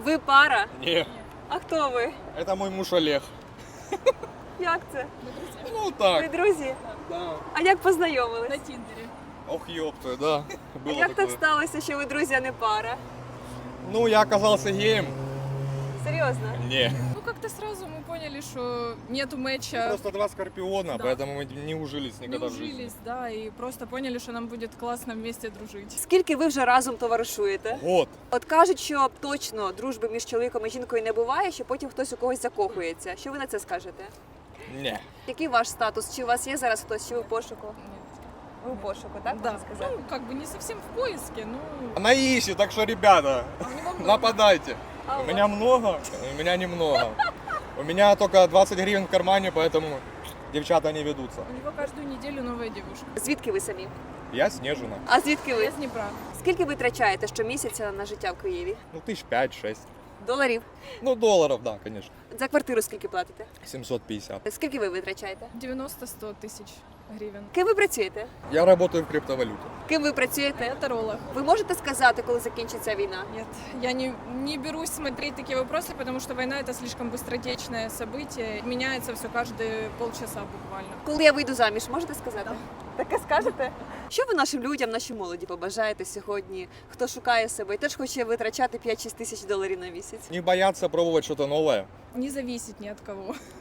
Ви пара? Не, А хто ви? это мой муж Олег. Як це? Ну Ви так. друзі? Да. А як познайомились? На Тіндері. Ох, ёпта, да. А Было як так такое. сталося, що ви друзі, а не пара? Ну, я оказался геем. Серйозно? Не. Ну, как-то сразу мы поняли, что нету мэтча. Просто два скорпиона, Да. поэтому мы не ужились Не никогда в жизни. ужились, да, и просто поняли, что нам будет классно вместе дружить. Скільки ви вже разом товаришуєте? Год. От кажуть, що точно дружби між чоловіком і жінкою не буває, що потім хтось у когось закохується. Що ви на це скажете? Не. Який ваш статус? Чи у вас є зараз хтось, чи ви в пошуку? Нет. Ви в пошуку, так? Да, можна сказати? ну, как бы не совсем в поиске, но Она ищет, так что, ребята, а у него много. нападайте. А У у меня много, у меня немного. У меня только 20 гривен в кармане, поэтому девчата не ведутся. У него каждую неделю новая девушка. Звідки ви самі? Я Снежина. А звідки Я ви? с Днепра. Скільки ви витрачаєте щомісяця на життя в Києві? Ну, 5-6. Доларів? Ну, долларов, да, конечно. За квартиру скільки платите? 750. Скільки ви витрачаєте? 90-100 тысяч гривен. Ким ви працюєте? Я работаю в криптовалюте. Ким ви працюєте? Я таролог. Ви можете сказати, коли закінчиться війна? Нет, я не берусь смотреть такие вопросы, потому что война это слишком быстротечное событие. Меняется все каждые полчаса буквально. Коли я вийду заміж, можете сказати? Таке скажете? Що ви нашим людям, нашій молоді побажаєте сьогодні? Хто шукає себе і теж хоче витрачати 5-6 тисяч доларів на місяць? Не бояться пробовать что-то новое. Не зависит ни от кого.